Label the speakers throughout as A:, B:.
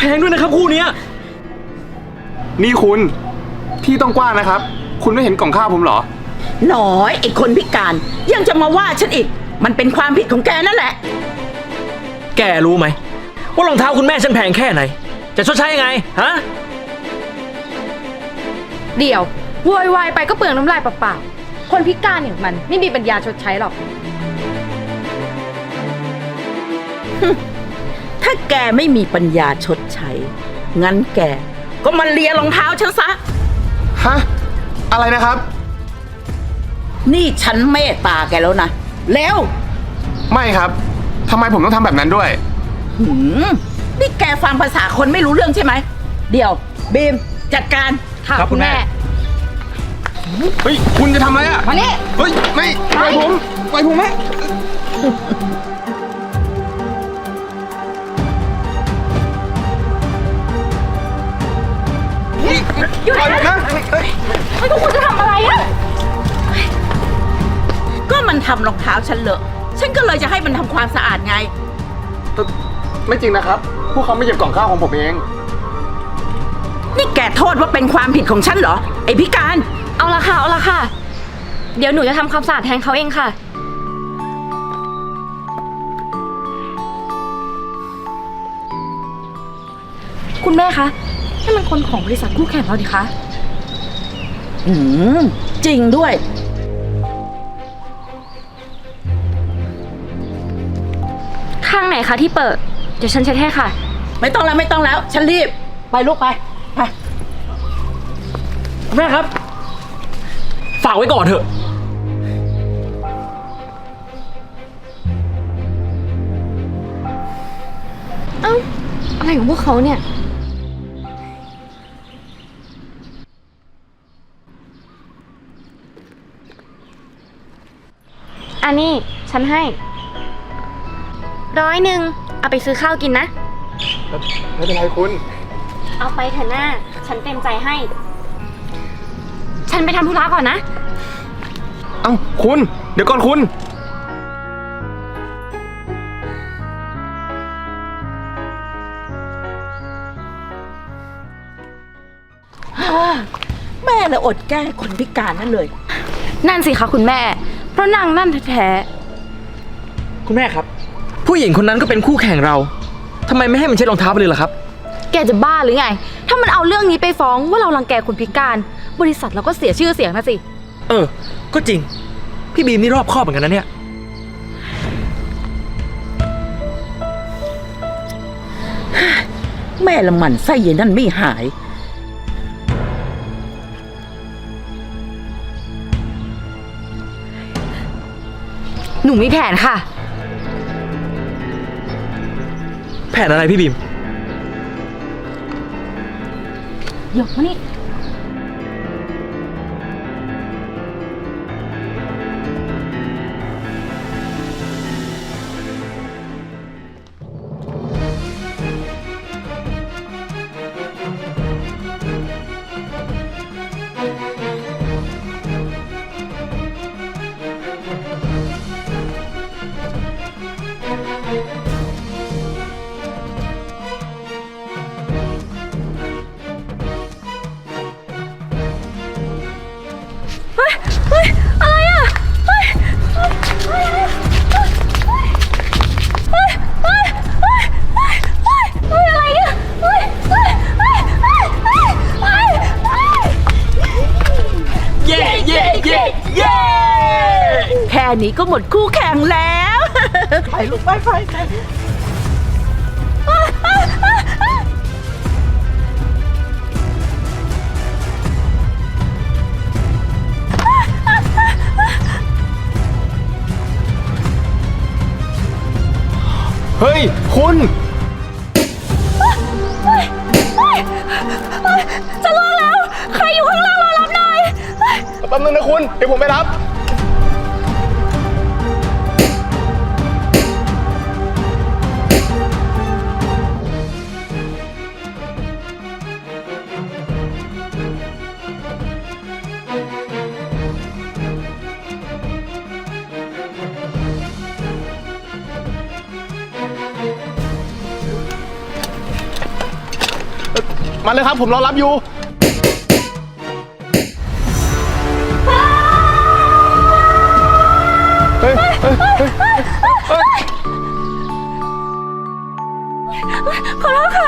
A: งด้วยนะครับคู่เนี้ย
B: นี่คุณที่ต้องกว้างนะครับ คุณไม่เห็นกล่องข้าวผมเหรอ
C: น้อยไอ้คนพิการยังจะมาว่าฉันอีกมันเป็นความผิดของแกนั่นแหละ
A: แกรู้ไหมว่ารองเท้าคุณแม่ฉันแพงแค่ไหนจะชดใช้ยังไงฮะ
D: เดี๋ยวโวยวายไปก็เปลืองน้ำลายเปล่าๆคนพิการอย่างมันไม่มีปัญญาชดใช้หรอก
C: ถ้าแกไม่มีปัญญาชดใช้งั้นแกก็มาเลียรองเท้าฉันซะ
B: ฮะอะไรนะครับ
C: นี่ฉันเมตตาแกแล้วนะแล้ว
B: ไม่ครับทำไมผมต้องทำแบบนั้นด้วย
C: นี่แกฟังภาษาคนไม่รู้เรื่องใช่ไหมเดี๋ยวบีมจัดการ
D: ค่ะคุณแม่
B: เฮ้ยคุณจะทำอะไรอ่ะ
D: มานี่
B: เฮ้ยไม่ปล่อยผมไหม
D: หยุดนะไม่ต้องคุณจะทำอะไรอ่ะ
C: ก็มันทำรองเท้าฉันเลอะฉันก็เลยจะให้มันทำความสะอาดไง
B: ไม่จริงนะครับพวกเขาไม่เก็บกล่องข้าวของผมเอง
C: นี่แกโทษว่าเป็นความผิดของฉันเหรอไอ้พิการ
D: เอาละค่ะเดี๋ยวหนูจะทำความสะอาดแทนเขาเองค่ะคุณแม่คะนี่มันคนของบริษัทคู่แข่งเราดิคะ
C: จริงด้วย
D: ข้างไหนคะที่เปิดเดี๋ยวฉันเช็ดให้ค่ะ
C: ไม่ต้องแล้วฉันรีบไปลูกไป
A: แม่ครับฝากไว้ก่อนเถอะ
D: เอ้าอะไรของพวกเขาเนี่ยอันนี้ฉันให้100เอาไปซื้อข้าวกินนะ
B: ไม่เป็นไรคุณ
D: เอาไปเถอะหน้าฉันเต็มใจให้ฉันไปทำธุระก่อนนะ
B: เอ้าคุณเดี๋ยวก่อนคุณ
C: แม่เลยอดแก้คนพิการนั่นเลย
D: นั่นสิคะคุณแม่เพราะนางนั่นแท้
A: คุณแม่ครับผู้หญิงคนนั้นก็เป็นคู่แข่งเราทำไมไม่ให้มันเช็ดรองเท้าไปเลยล่ะครับ
D: แกจะบ้าหรือไงถ้ามันเอาเรื่องนี้ไปฟ้องว่าเรารังแกคนพิการบริษัทเราก็เสียชื่อเสียงนะสิ
A: ก็จริงพี่บีมนี่รอบคอบเหมือนกันนะเนี่ย
C: แม่ละมันไส้เย็นนั่นไม่หาย
D: หนูมีแผนค่ะ
A: แผนอะไรพี่บีม
D: หยกมานี่อะไรอ่ะอะไรเนี่ย
A: เย้
C: แค่นี้ก็หมดคู่แข่งแล้วไปลูกไป
B: เฮ้ยคุณ
D: จะรอแล้วใครอยู่ข้างล่างรอรับหน่อย
B: แป๊บนึงนะคุณเดี๋ยวผมไปรับ
A: พ
B: มาเลยครับ ผมรอรับอยู่ เฮ้ยเฮ้ยเฮ้ยเฮ้ย
D: ขอโทษค่ะ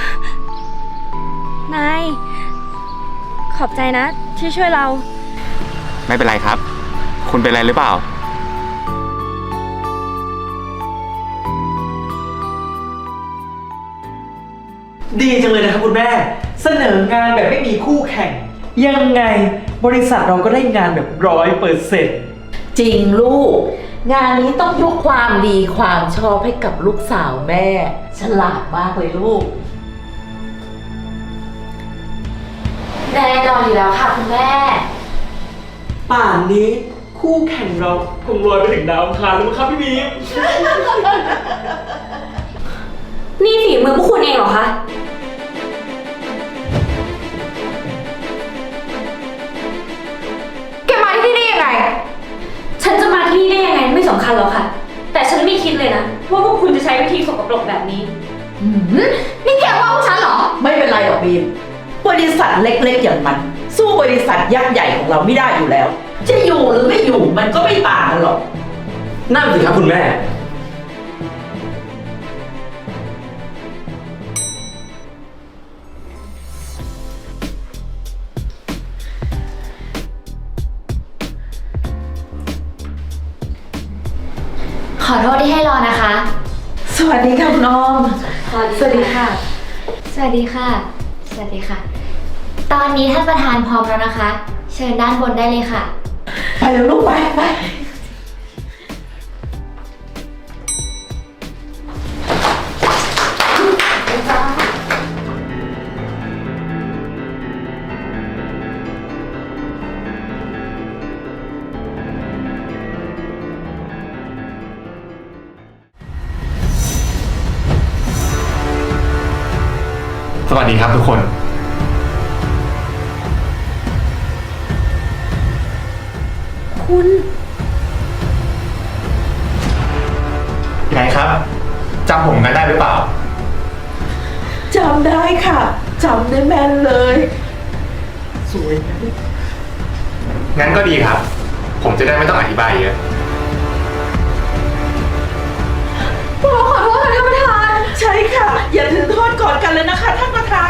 D: นาย ขอบใจนะที่ช่วยเรา
B: ไม่เป็นไรครับ คุณเป็นอะไรหรือเปล่า
A: ดีจังเลยนะครับคุณแม่ เสนองานแบบไม่มีคู่แข่ง ยังไงบริษัทเราก็ได้งานแบบ100%
C: จริงลูก งานนี้ต้องยกความดีความชอบให้กับลูกสาวแม่ ฉลาดมากเลยลูก
D: แน่นอนอยู่แล้วค่ะคุณแม่
A: ป่านนี้คู่แข่งเราคงลอยไปถึงดาวอังคารแล้วมั้งครับพี่บีม
D: นี่ฝีมือพวกคุณเองเหรอคะ แกมาที่นี่ยังไง ฉันจะมาที่นี่ได้ยังไงไม่สำคัญหรอกค่ะ แต่ฉันไม่คิดเลยนะว่าพวกคุณจะใช้วิธีสกปรกแบบนี้ นี่แกว่าพวกฉันเหรอ
C: ไม่เป็นไรหรอกบีม บริษัทเล็กๆอย่างมัน สู้บริษัทยักษ์ใหญ่ของเราไม่ได้อยู่แล้ว จะอยู่หรือไม่อยู่มันก็ไม่ต่างกันหรอก
A: นั่นสิครับคุณแม่
D: ขอโทษที่ให้รอนะคะ
C: สวัสดีค่ะคุณออม
D: สวัสดีค่ะ สวัสดีค่ะ สวัสดีค่ะ ตอนนี้ท่านประธานพร้อมแล้วนะคะ เชิญด้านบนได้เลยค่ะ
C: ไปเลยลูกไป
B: สวัสดีครับทุกคน
D: คุณ
B: ไงครับ จำผมกันได้หรือเปล่า
C: จำได้ค่ะ จำได้แม่นเลย
A: สวย
B: งั้นก็ดีครับ ผมจะได้ไม่ต้องอธิบายเยอะ
D: พวกเราขอโทษค่ะท่านประธาน
C: ใช่ค่ะ อย่าถือโทษก่อนกันเลยนะคะท่านประธาน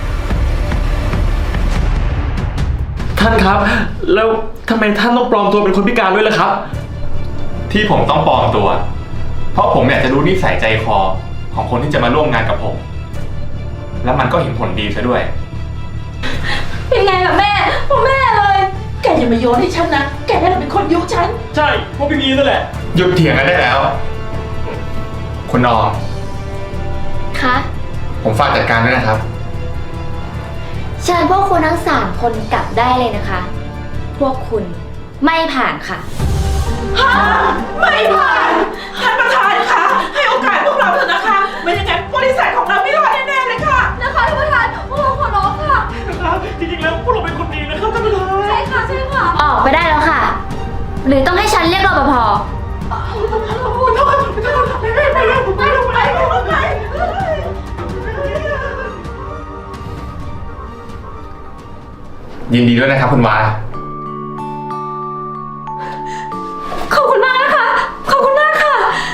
A: ท่านครับ แล้วทำไมท่านต้องปลอมตัวเป็นคนพิการด้วยล่ะครับ
B: ที่ผมต้องปลอมตัว เพราะผมอยากจะรู้นิสัยใจคอของคนที่จะมาร่วมงานกับผม แล้วมันก็เห็นผลดีซะด้วย
D: เป็นไงล่ะแม่พ่อแม่เลย
C: แกอย่ามาโยนให้ฉันนะ แกนั่นเป็นคนยุฉัน
A: ใช่พวกพี่บีมนั่นแหละ
B: หยุดเถียงกันได้แล้ว คุณออม
D: คะ
B: ผมฝากจัดการด้วยนะครับ
D: เชิญพวกคุณทั้ง3คนกลับได้เลยนะคะ พวกคุณไม่ผ่านค่ะ
C: ไม่ผ่าน ท่านประธานคะให้โอกาสพวกเราเถอะนะคะ ไม่อย่างนั้นบริษัทของเราไม่รอดแน่ๆเลยค่ะ
D: นะคะท่านประธานพวกเราขอร้องค่ะ
A: นะครับจริงๆแล้วพวกเราเป็นคนดีนะครับท่านประธาน
D: ใช่ค่ะ ใช่ค่ะ ออกไปได้แล้วค่ะ หรือต้องให้ฉันเรียกรปภ
B: ยินดีด้วยนะครับคุณวา
D: ขอบคุณมากนะคะ ขอบคุณมากค่ะ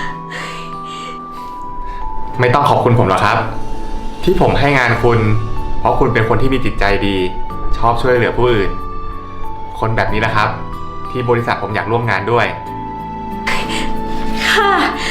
B: ไม่ต้องขอบคุณผมหรอกครับ ที่ผมให้งานคุณ เพราะคุณเป็นคนที่มีจิตใจดี ชอบช่วยเหลือผู้อื่น คนแบบนี้นะครับ ที่บริษัทผมอยากร่วมงานด้วย
D: ค่ะ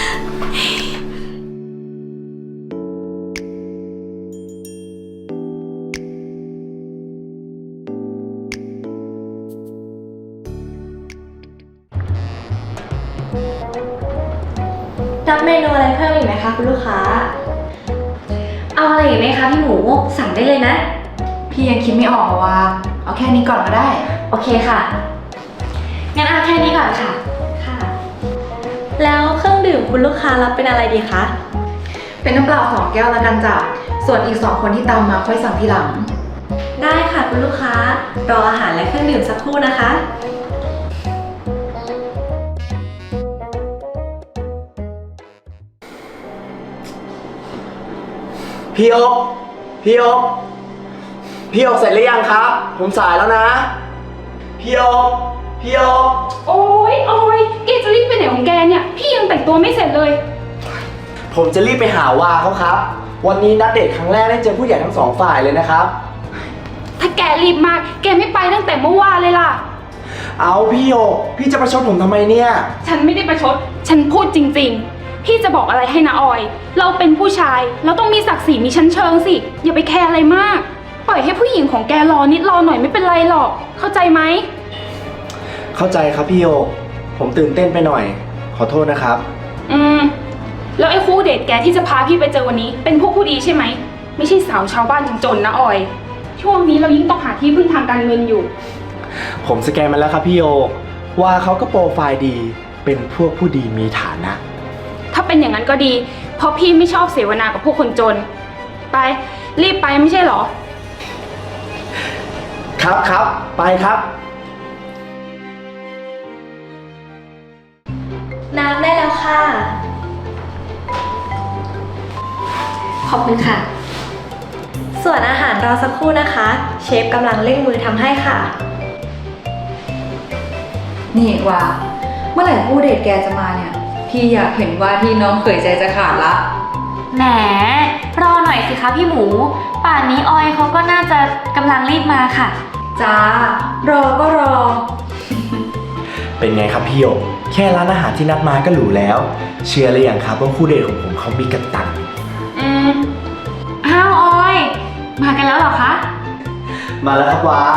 D: รับเมนูอะไรเพิ่มอีกไหมคะคุณลูกค้า เอาอะไรอีกไหมคะพี่หมูสั่งได้เลยนะ
E: พี่ยังคิดไม่ออกว่า เอาแค่นี้ก่อนก็ได้
D: โอเคค่ะ งั้นเอาแค่นี้ก่อนค่ะ ค่ะ แล้วเครื่องดื่มคุณลูกค้ารับเป็นอะไรดีคะ
E: เป็นน้ำเปล่า2 แก้วแล้วกันจ้ะ ส่วนอีก2 คนที่ตามมาค่อยสั่งทีหลัง
D: ได้ค่ะคุณลูกค้า รออาหารและเครื่องดื่มสักครู่นะคะ
A: พี่อ๊กพี่อ๊ก
F: พี่โอ๊คเสร็จหรือยังครับ ผมสายแล้วนะ พี่โอ๊คพี่โอ๊ค
G: โอ๊ยออยแกจะรีบไปไหนของแกเนี่ย พี่ยังแต่งตัวไม่เสร็จเลย
F: ผมจะรีบไปหาวาเขาครับ วันนี้นัดเดทครั้งแรกได้เจอผู้ใหญ่ทั้งสองฝ่ายเลยนะครับ
G: ถ้าแกรีบมาก แกไม่ไปตั้งแต่เมื่อวานเลยล่ะ
F: เอาพี่โอ๊คพี่จะประชดผมทำไมเนี่ย
G: ฉันไม่ได้ประชด ฉันพูดจริงๆ พี่จะบอกอะไรให้นะออย เราเป็นผู้ชาย เราต้องมีศักดิ์ศรีมีชั้นเชิงสิ อย่าไปแคร์อะไรมาก ปล่อยให้ผู้หญิงของแกรอนิดรอหน่อยไม่เป็นไรหรอก เข้าใจไหม
F: เข้าใจครับพี่โอ๊คผมตื่นเต้นไปหน่อย ขอโทษนะครับ
G: แล้วไอ้คู่เดทแกที่จะพาพี่ไปเจอวันนี้ เป็นพวกผู้ดีใช่ไหม ไม่ใช่สาวชาวบ้านจนๆนะออย ช่วงนี้เรายิ่งต้องหาที่พึ่งทางการเงินอยู่
F: ผมสแกนมาแล้วครับพี่โอ๊คว่าเขาก็โปรไฟล์ดี เป็นพวกผู้ดีมีฐานะ
G: ถ้าเป็นอย่างนั้นก็ดี เพราะพี่ไม่ชอบเสวนากับพวกคนจน ไป รีบไปไม่ใช่เหรอ
F: ครับครับไปครับ
D: น้ำได้แล้วค่ะ ขอบคุณค่ะ
H: ส่วนอาหารรอสักครู่นะคะ เชฟกำลังเร่งมือทำให้ค่ะ
E: นี่ว่าเมื่อไหร่คู่เดทแกจะมาเนี่ย พี่อยากเห็นว่าที่น้องเขยใจจะขาดละ
D: แหม รอหน่อยสิคะพี่หมู ป่านนี้ออยเขาก็น่าจะกำลังรีบมาค่ะ
E: จ้า รอก็รอ
F: เป็นไงครับพี่โอ๊คแค่ร้านอาหารที่นัดมาก็หรูแล้ว เชื่อหรือยังครับว่าคู่เดทของผมเขามีกระตัง
D: อ้าวออย มากันแล้วเหรอคะ
F: มาแล้วครับวา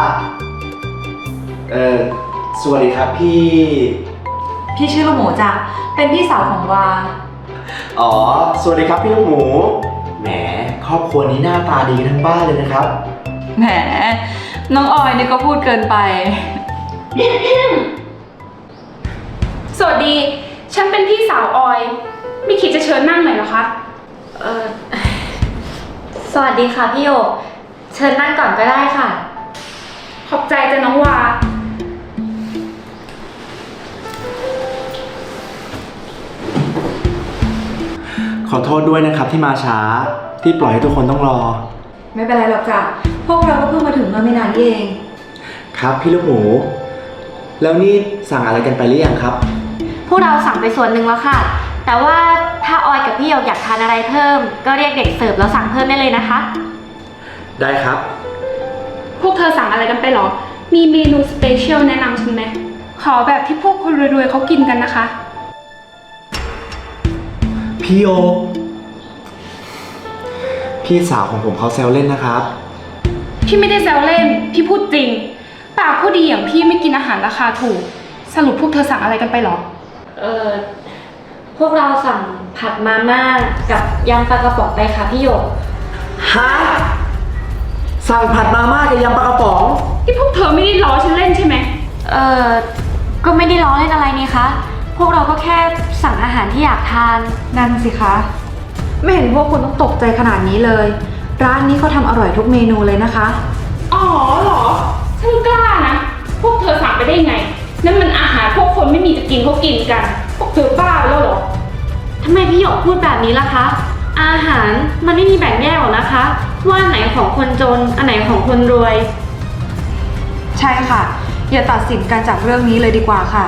F: สวัสดีครับพี่
E: พี่ชื่อลูกหมูจ้ะ เป็นพี่สาวของวา
F: อ๋อ สวัสดีครับพี่ลูกหมู แหม ครอบครัวนี้หน้าตาดีทั้งบ้านเลยนะครับ
E: แหม น้องออยนี่ก็พูดเกินไป
G: สวัสดี ฉันเป็นพี่สาวออย ไม่คิดจะเชิญนั่งหน่อยเหรอคะ
D: สวัสดีค่ะพี่โยก เชิญนั่งก่อนก็ได้ค่ะ
G: ขอบใจจ้ะน้องวา
F: ขอโทษด้วยนะครับที่มาช้า ที่ปล่อยให้ทุกคนต้องรอ
E: ไม่เป็นไรหรอกจ้ะ พวกเราก็เพิ่งมาถึงเมื่อไม่นานเอง
F: ครับพี่ลูกหมู แล้วนี่สั่งอะไรกันไปหรือยังครับ
D: พวกเราสั่งไปส่วนหนึ่งแล้วค่ะ แต่ว่าถ้าออยกับพี่โยกอยากทานอะไรเพิ่ม ก็เรียกเด็กเสิร์ฟแล้วสั่งเพิ่มได้เลยนะคะ
F: ได้ครับ
G: พวกเธอสั่งอะไรกันไปเหรอ มีเมนูสเปเชียลแนะนำฉันไหม ขอแบบที่พวกคนรวยๆเขากินกันนะคะ
F: พี่โอ๊คพี่สาวของผมเขาแซวเล่นนะครับ
G: พี่ไม่ได้แซวเล่น พี่พูดจริง ปากผู้ดีอย่างพี่ไม่กินอาหารราคาถูก สรุปพวกเธอสั่งอะไรกันไปเหรอ
D: พวกเราสั่งผัดมาม่ากับยำปลากระป๋องไปค่ะพี่โยก
F: ฮะ สั่งผัดมาม่ากับยำปลากระป๋อง
G: ที่พวกเธอไม่ได้ล้อฉันเล่นใช่ไหม
D: ก็ไม่ได้ล้อเล่นอะไรนี่คะ พวกเราก็แค่สั่งอาหารที่อยากทาน
E: นั่นสิคะ ไม่เห็นพวกคุณต้องตกใจขนาดนี้เลย ร้านนี้เขาทำอร่อยทุกเมนูเลยนะคะ
G: อ๋อเหรอฉันกล้านะ พวกเธอสั่งไปได้ไง นั่นมันอาหารพวกคนไม่มีจะกินเขากินกัน พวกเธอบ้าไปแล้วเหรอ
D: ทำไมพี่หยกพูดแบบนี้ล่ะคะ อาหารมันไม่มีแบ่งแยกหรอกนะคะ ว่าอันไหนของคนจน อันไหนของคนรวย
E: ใช่ค่ะ อย่าตัดสินกันจากเรื่องนี้เลยดีกว่าค่ะ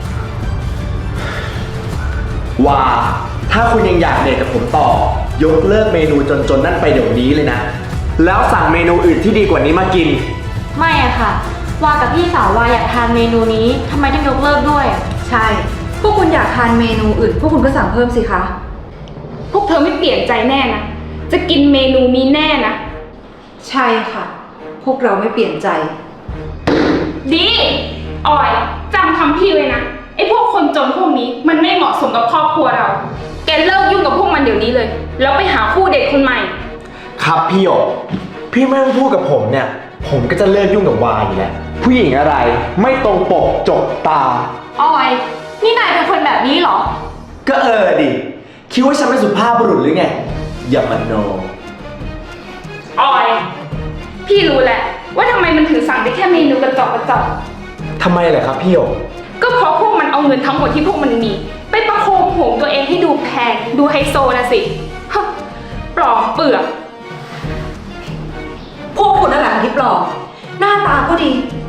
F: ว่าถ้าคุณยังอยากเดทกับผมต่อ ยกเลิกเมนูจนๆนั่นไปเดี๋ยวนี้เลยนะ แล้วสั่งเมนูอื่นที่ดีกว่านี้มากิน
D: ไม่อะค่ะ ว่ากับพี่สาวว่าอยากทานเมนูนี้ทำไมต้องยกเลิกด้วย
E: ใช่ พวกคุณอยากทานเมนูอื่น พวกคุณก็สั่งเพิ่มสิคะ
G: พวกเธอไม่เปลี่ยนใจแน่นะ จะกินเมนูนี้แน่นะ
E: ใช่ค่ะ พวกเราไม่เปลี่ยนใจ
G: ดีออยจำคำพี่ไว้นะ ไอ้พวกคนจนพวกนี้มันไม่เหมาะสมกับครอบครัวเรา แกเลิกยุ่งกับพวกมันเดี๋ยวนี้เลย แล้วไปหาคู่เดทคนใหม่
F: ครับพี่โอ๊คพี่ไม่ต้องพูดกับผมเนี่ย ผมก็จะเลิกยุ่งกับวาอยู่แล้ว ผู้หญิงอะไรไม่ตรงปกจกตา
D: ออย นี่นายเป็นคนแบบนี้เหรอ
F: ก็ดิคิดว่าฉันเป็นสุภาพบุรุษหรือไง อย่ามาโน
G: ออย พี่รู้แหละ ว่าทำไมมันถึงสั่งได้แค่เมนูกระจอกกระจอก
F: ทำไมเหรอครับพี่โอ๊ค
G: ก็เพราะพวกมันเอาเงินทั้งหมดที่พวกมันมี ไปประโคมโหมตัวเองให้ดูแพงดูไฮโซนะสิฮะปลอมเปลือก
E: พวกคุณนั่นแหละที่ปล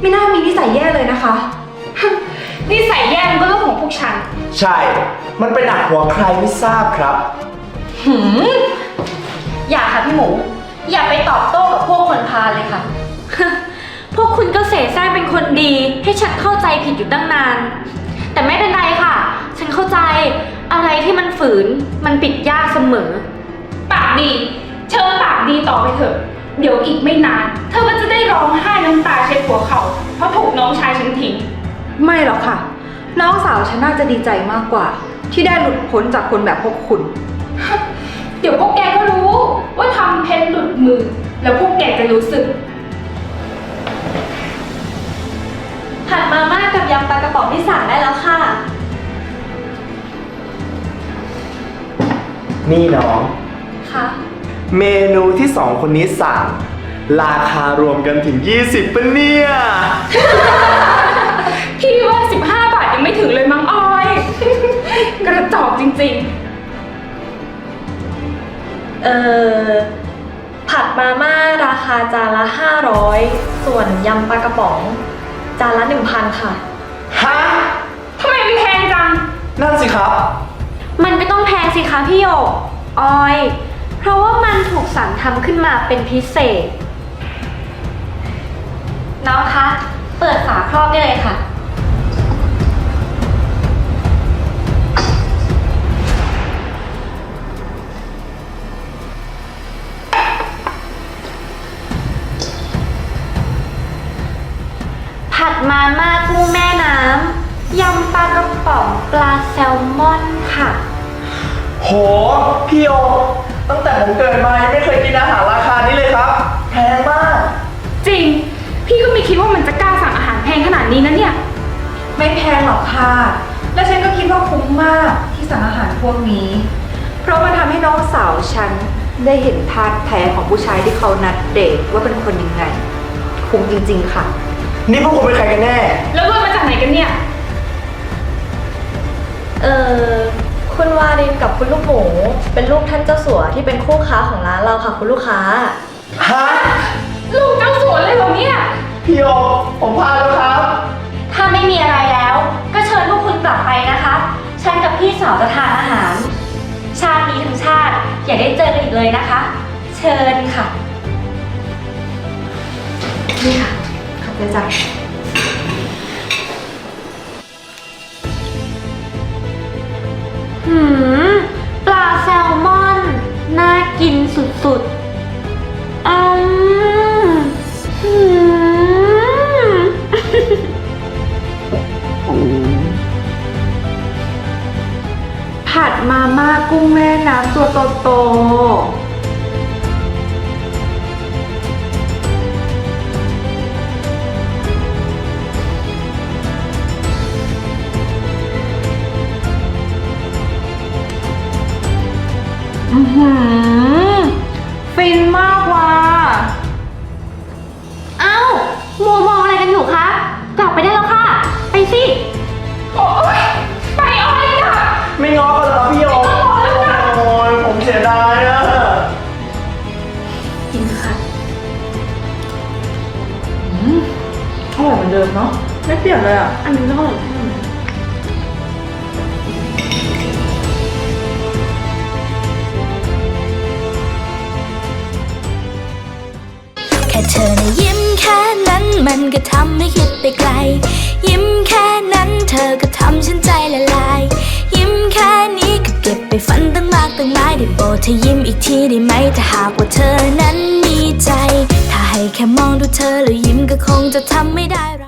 E: ไม่น่ามีนิสัยแย่เลยนะคะ
G: นิสัยแย่มันก็เรื่องของพวกฉัน
F: ใช่ มันไปหนักหัวใครไม่ทราบครับ
D: อย่าค่ะพี่หมู อย่าไปตอบโต้กับพวกคนพาลเลยค่ะ พวกคุณก็เสแสร้งเป็นคนดีให้ฉันเข้าใจผิดอยู่ตั้งนาน แต่ไม่เป็นไรค่ะ ฉันเข้าใจอะไรที่มันฝืนมันปิดยากเสมอ
G: ปากดี เชิญปากดีต่อไปเถอะ เดี๋ยวอีกไม่นาน เธอก็จะได้ร้องไห้น้ำตาเช็ดหัวเขาเพราะถูกน้องชายฉันทิ้ง
E: ไม่หรอกค่ะ น้องสาวฉันน่าจะดีใจมากกว่า ที่ได้หลุดพ้นจากคนแบบพวกคุณ
G: เดี๋ยวพวกแกก็รู้ว่าทำเพชรหลุดมือ แล้วพวกแกจะรู้สึก
H: ผัดมาม่ากับยำปลากระป๋องที่สั่งได้แล้วค่ะ
F: นี่น้อง
H: ค่ะ
F: เมนูที่สองคนนี้สั่ง ราคารวมกันถึง 20ปะเนี่ย
G: พี่ว่า15 บาทยังไม่ถึงเลยมั้งออย กระจอกจริงๆ
H: ผัดมาม่าราคาจานละ500ส่วนยำปลากระป๋องจานละ 1,000 ค่ะ
F: ฮะ
G: ทำไมมันแพงจัง
F: นั่นสิครับ
D: มันก็ต้องแพงสิคะพี่โยกออย เพราะว่ามันถูกสรรทำขึ้นมาเป็นพิเศษ น้องคะ เปิดฝาครอบได้เลยค่ะ ผัดมาม่ากุ้งแม่น้ำ ยำปลากระป๋องปลาแซลมอนค่ะ
F: โห พี่โอ ตั้งแต่ผมเกิดมายังไม่เคยกินอาหารราคานี้เลยครับ แพงมาก
G: จริง พี่ก็ไม่คิดว่ามันจะกล้าสั่งอาหารแพงขนาดนี้นะเนี่ย
E: ไม่แพงหรอกค่ะ และฉันก็คิดว่าคุ้มมากที่สั่งอาหารพวกนี้ เพราะมันทำให้น้องสาวฉันได้เห็นท่าแท้ของผู้ชายที่เขานัดเดทว่าเป็นคนยังไง คุ้มจริงๆค่ะ
F: นี่พวกคุณเป็นใครกันแน่
G: แล้วรถมาจากไหนกันเนี่ย
H: คุณวารินกับคุณลูกหมูเป็นลูกท่านเจ้าสัวที่เป็นคู่ค้าของร้านเราค่ะคุณลูกค้า
F: ฮะ
G: ลูกเจ้าสัวเลยเหรอเนี่ย
F: พี่โอ ผมพลาดแล้วครับ
D: ถ้าไม่มีอะไรแล้ว ก็เชิญพวกคุณกลับไปนะคะ ฉันกับพี่สาวจะทานอาหาร ชาตินี้ทั้งชาติอย่าได้เจอกันอีกเลยนะคะ เชิญค่ะ
E: นี่ค่ะ ขอบใจจ้ะ
D: ปลาแซลมอน น่ากินสุดๆ
E: ผัดมาม่ากุ้งแม่น้ำตัวโตฟินมากว่ะ
D: เอ้ามัวมองอะไรกันอยู่คะ กลับไปได้แล้วค่ะ ไปสิ
G: โอ๊ย ไปออยค่ะ
F: ไม่ง้อกันเหรอพี่โอ โอ้ยผมเสียดายอะ
D: กินค่ะ
E: อร่อยเหมือนเดิมเนาะ ไม่เปลี่ยนเลยอ่ะ
D: อันนี้ก็อร่อย
I: แค่เธอนะยิ้มแค่นั้นมันก็ทำให้คิดไปไกล ยิ้มแค่นั้นเธอก็ทำฉันใจละลาย ยิ้มแค่นี้ก็เก็บไปฝันตั้งมากตั้งหลายได้โปรดเธอยิ้มอีกทีได้ไหมถ้าหากว่าเธอนั้นมีใจ ถ้าให้แค่มองดูเธอแล้วยิ้มก็คงจะทำไม่ได้